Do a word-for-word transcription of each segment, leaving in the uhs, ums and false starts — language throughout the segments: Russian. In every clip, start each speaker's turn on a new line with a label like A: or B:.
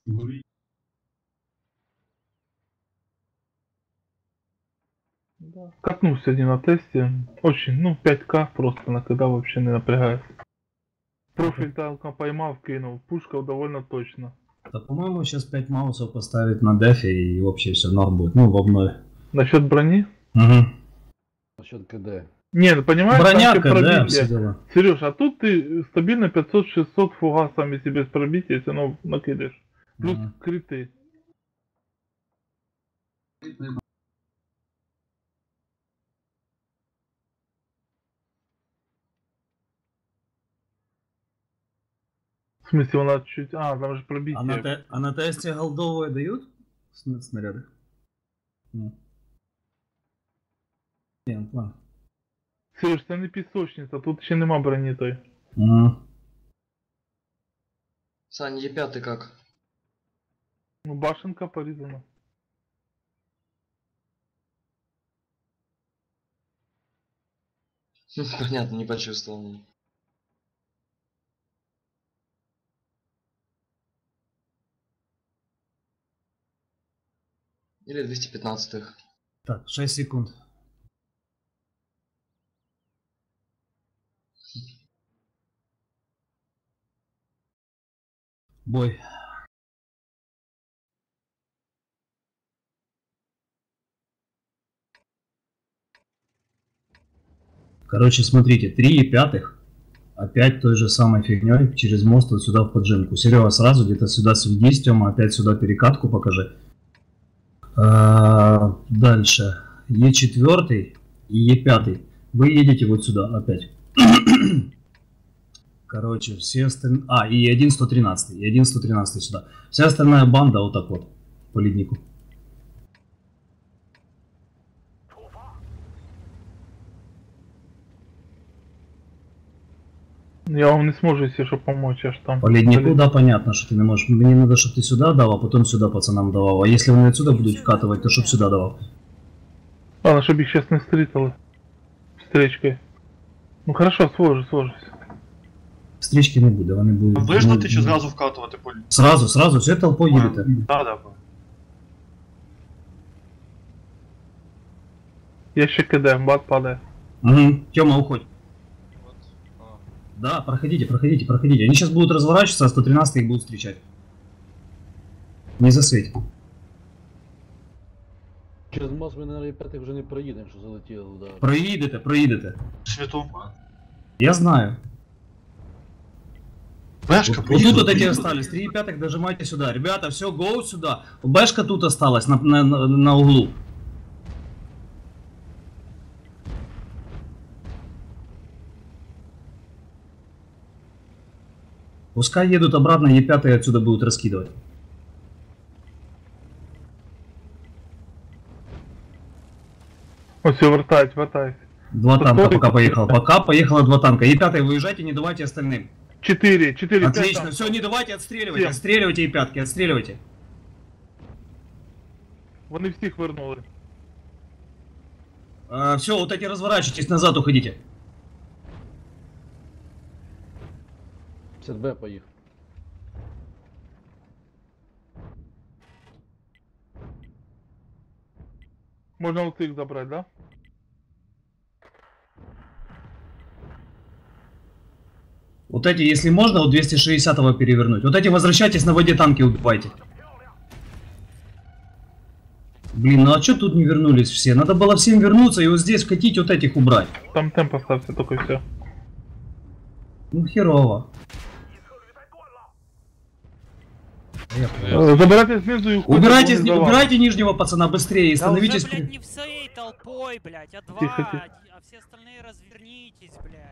A: Да. Катнул сегодня на тесте. Очень, ну, пять ка просто на когда вообще не напрягается. Профиль танка поймал, кинул. Пушка довольно точно.
B: Да, по-моему, сейчас пять маусов поставить на дефе и вообще все норм будет. Ну, в обнове.
A: Насчет брони?
B: Угу.
C: Насчет КД.
A: Не, ну понимаешь,
B: броня,
A: там
B: КД,
A: пробитие.
B: все дела.
A: Сереж, а тут ты стабильно пятьсот-шестьсот фугасами себе с пробития все равно накидаешь. Плюс
B: Ага.
A: криты. В смысле, у нас чуть... А, там же пробитие.
B: А на, те... а на тесте голдовые дают Сна- снаряды? Ну. Не, ну, план.
A: Сереж, це не пісочниця, тут ще нема броні той.
B: Ага.
D: Сань, Е пять как?
A: Ну, башенка порізана.
D: Понятно, не почувствовал. Или двести пятнадцатых.
B: Так, шесть секунд. Бой. Короче, смотрите, три и пятых. Опять той же самой фигней через мост вот сюда в поджимку. Серега, сразу где-то сюда сведись, Тёма, опять сюда перекатку покажи. А, дальше. Е четыре и Е пять. Вы едете вот сюда опять. Короче, все остальные... А, и один сто тринадцать. И один сто тринадцать сюда. Вся остальная банда вот так вот. По леднику.
A: Я вам не зможу, если что, помочь, аж там.
B: По леднику, да, понятно, что ты не можешь. Мне надо, чтобы ты сюда дал, а потом сюда пацанам давал. А если они отсюда будут вкатывать, то чтобы сюда давал.
A: Ладно, чтобы их сейчас не стритали. Встречкой. Ну хорошо, сложу, сложусь.
B: Встречки не буде, вони будуть...
E: Виждати чи зразу вкатувати полі?
B: Сразу, сразу, все толпой їдете.
E: Так, так.
A: Я ще КД, бат падает.
B: Угу. Тёма, уходь. Да, проходите, проходите, проходите. Они сейчас будут разворачиваться, а сто тринадцать их будут встречать. Не засветь.
C: Через мост ми на Е пять вже не проїдемо, що залетіло, да.
B: Проїдете, проїдете.
E: Світу.
B: Я знаю.
E: Бешка,
B: Вот, вот тут вот эти остались, три и пятых дожимайте сюда. Ребята, все, гоу сюда. Бэшка тут осталась на, на, на, на углу. Пускай едут обратно, Е пять отсюда будут раскидывать.
A: О, все, вертать, вертать.
B: Два
A: Тут
B: танка
A: тоже-
B: пока поехало. Пока поехало два танка. Е пять выезжайте, не давайте остальным.
A: Четыре, четыре, пять
B: Отлично,
A: там.
B: все, не давайте, отстреливайте,
A: Всем.
B: отстреливайте Е пять, отстреливайте.
A: Вони всіх вернули.
B: А, все, вот эти разворачивайтесь, назад уходите.
C: пятьдесят Б поїхав.
A: Можна у цих забрати, да?
B: Вот эти, если можно, вот двести шестидесятого перевернуть. Вот эти возвращайтесь, на воде танки убивайте. Блин, ну а что тут не вернулись все? Надо было всем вернуться и вот здесь вкатить, вот этих убрать.
A: Там темп поставься, только все.
B: Ну херово.
A: Забирайте знизу и уходите.
B: Убирайте,
A: вон из зала.
B: убирайте нижнего пацана быстрее и
F: Да
B: становитесь...
F: уже, блядь, не всей толпой, блядь, а два,
A: Тихо, тихо.
F: а все остальные развернитесь, блядь.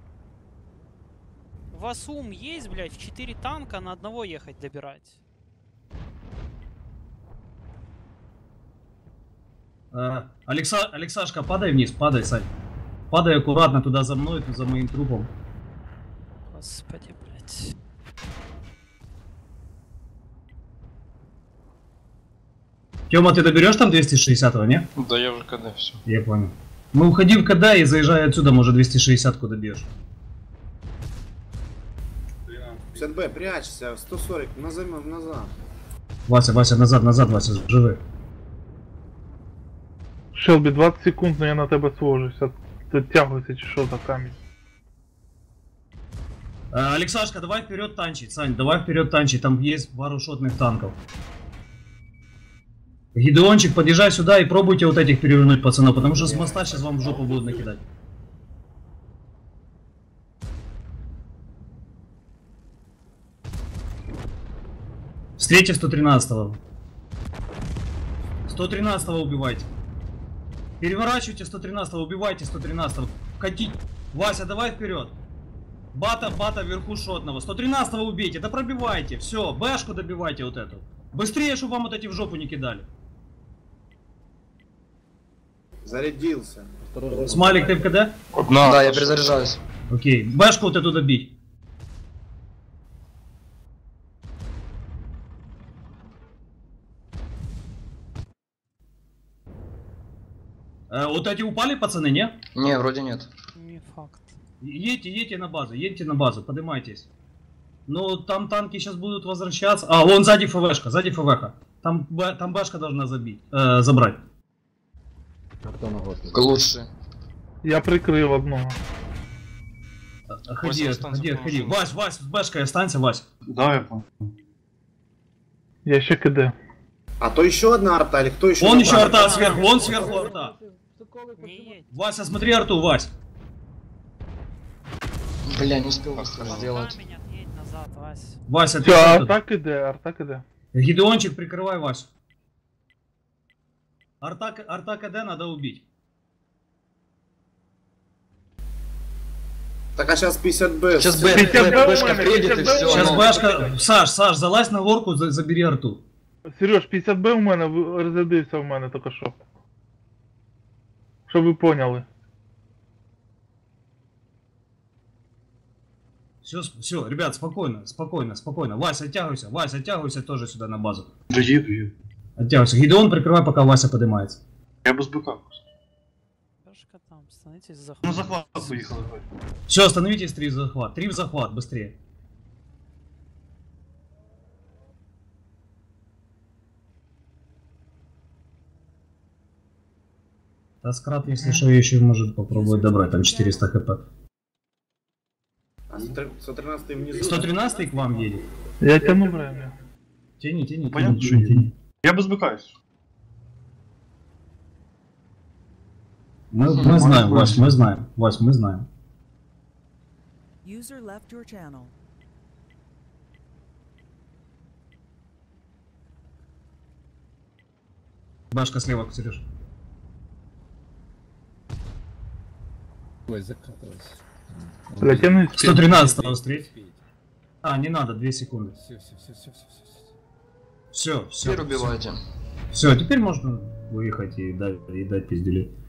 F: У вас ум есть, блядь, в четыре танка на одного ехать добирать?
B: А, Алекса... Алексашка, падай вниз, падай, Сань. Падай аккуратно туда за мной, за моим трупом.
F: Господи, блядь.
B: Тёма, ты доберешь там двести шестидесятого, не?
E: Да я вже КД, все.
B: Я понял. Ну уходи в КД и заезжай отсюда, может двести шестидесятку добьешь.
G: пятьдесят Б, прячься, сто сорок, назад, назад.
B: Вася, Вася, назад, назад, Вася, живи.
A: Шелбі, двадцять секунд, но я на тебе свожуся. Підтягуйся чи що за камінь.
B: Э, Алексашка, давай вперед танчить, Сань, давай вперед танчить, там есть пару шотных танков. Гидеончик, подъезжай сюда и пробуйте вот этих перевернуть, пацанов, потому что с моста сейчас вам в жопу будут накидать. Встреча сто тринадцатого. сто тринадцатого убивайте. Переворачивайте сто тринадцатого, убивайте сто тринадцатого. Катить. Вася, давай вперед. Бата, бата вверху шотного. сто тринадцатого убейте, да пробивайте. Все, бэшку добивайте вот эту. Быстрее, чтобы вам вот эти в жопу не кидали.
G: Зарядился.
C: Осторожно.
B: Смайлик, ты в КД?
E: Одна.
D: Да, я перезаряжаюсь.
B: Окей. Бэшку вот эту добить. Э, вот эти упали, пацаны, не?
D: Не, вроде нет.
F: Не факт.
B: Едьте, едьте на базу, едьте на базу, поднимайтесь. Ну, там танки сейчас будут возвращаться. А, вон сзади ФВшка, сзади ФВХ. Там, б- там башка должна забить, э, забрать.
C: Арта на гості.
D: Лучше.
A: Я прикрив одного.
B: Ходи,
E: Вася, останься
B: ходи,
E: по
B: ходи.
E: машине.
B: Вась, Вась, с башкой останься, Вась.
E: Да, я понял.
A: Я ще КД.
G: А то еще одна арта, или кто еще?
B: Вон еще
G: напал?
B: арта сверху, вон сверху арта.
F: Не едь.
B: Вася, смотри арту, Вась.
D: Бля, не успел быстро сделать.
F: Камень отъедь назад, Вась.
B: Вася, ты
A: Все,
B: что тут?
A: арта КД, арта КД.
B: Гидеончик, прикрывай Васю. Арта, К- арта КД надо убить.
G: Так а сейчас пятьдесят Б.
D: Сейчас Б,
A: Пятьдесят
D: Б,
A: Б
D: Бэшка
A: у меня,
D: приедет и
A: пятьдесят Б
D: все.
A: у
B: Сейчас
A: Ну,
B: башка... Саш, Саш, залазь на горку, за- забери арту.
A: Сереж, п'ятдесят Б у мене в- розрядився в мене тільки що. Щоб ви поняли.
B: Все, все, ребят, спокойно, спокойно, спокойно. Вася, оттягивайся, Вася, оттягивайся тоже сюда на базу.
E: Да еду, еду.
B: Оттягивайся. Гидеон, прикрывай, пока Вася поднимается.
E: Я без БК просто.
F: Пешка там, становитесь за
E: Ну захват поїхали. давай.
B: Все, остановитесь, три в захват. Три в захват, быстрее. Таскрат, если что, еще может попробовать добрать, там четыреста хп.
G: А сто тринадцатый внизу.
B: сто тринадцатый к вам едет.
A: Я тяну время.
B: Тяни, тяни,
E: Понятно,
B: тяни,
E: что
B: тяни, тяни.
E: Я без БК, если что.
B: Мы, мы знаем, Вась, мы знаем. Вась, мы знаем.
H: User left your channel.
B: Башка слева, Сереж.
C: Ой, закатывайся.
A: Бля, тяну
B: сто тринадцатого встреть. А, не надо, две секунды.
C: Все, все, все, все, все, все.
B: Все, все.
D: Теперь убивайте.
B: Все, теперь можно выехать и дать, и дать пиздюлей.